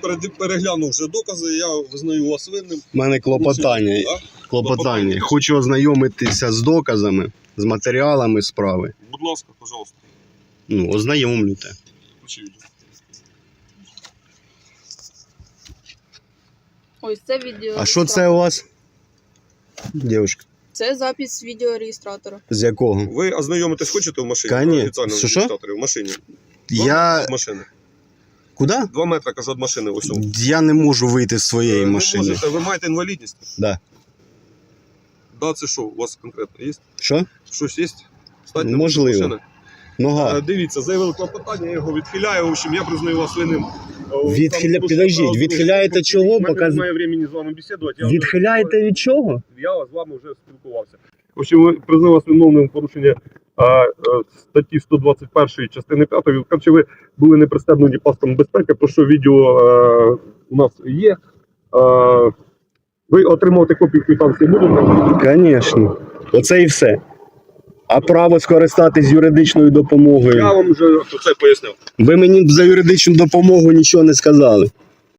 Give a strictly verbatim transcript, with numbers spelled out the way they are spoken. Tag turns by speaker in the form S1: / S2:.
S1: переглянув вже докази, я визнаю вас винним.
S2: У мене клопотання.
S1: А?
S2: Клопотання. Хочу ознайомитися з доказами, з матеріалами справи.
S1: Будь ласка, пожалуйста.
S2: Ну, ознайомлюйте.
S1: Включи відео.
S3: Ось це відео.
S2: А що це у вас? Дівчинка.
S3: Це запис відеореєстратора.
S2: З якого?
S1: Ви ознайомитись хочете в машині?
S2: Конечно.
S1: Офіціальному
S2: Що, що?
S1: реєстраторі в машині. Два
S2: Я...
S1: метри від машини.
S2: Куди?
S1: Два метри, кажу, від машини. Ось.
S2: Я не можу вийти з своєї
S1: ви
S2: машини.
S1: Можете, ви маєте інвалідність?
S2: Да.
S1: Да, це що у вас конкретно є?
S2: Що?
S1: Щось є? Встаньте,
S2: Можливо.
S1: машини.
S2: Нога.
S1: Е, Дивіться, заявили клопотання, я його відхиляю. В общем, я признаю вас винним.
S2: Відхиля...
S1: Там,
S2: Підождіть,
S1: там,
S2: відхиляєте
S1: там,
S2: чого?
S1: У мене
S2: Показ...
S1: немає времени з вами бесідувати. Я
S2: Відхиляєте від чого?
S1: Я з вами вже спілкувався. В общем, признаю вас виновним в порушення а, а, статті сто двадцять першої частини п'ятої. Короче, ви були не пристебнені паском безпеки, про що відео а, у нас є. А, ви отримувати копію квитанції будете?
S2: Звісно. Оце і все. А право скористатись юридичною допомогою?
S1: Я вам вже це пояснив.
S2: Ви мені за юридичну допомогу нічого не сказали.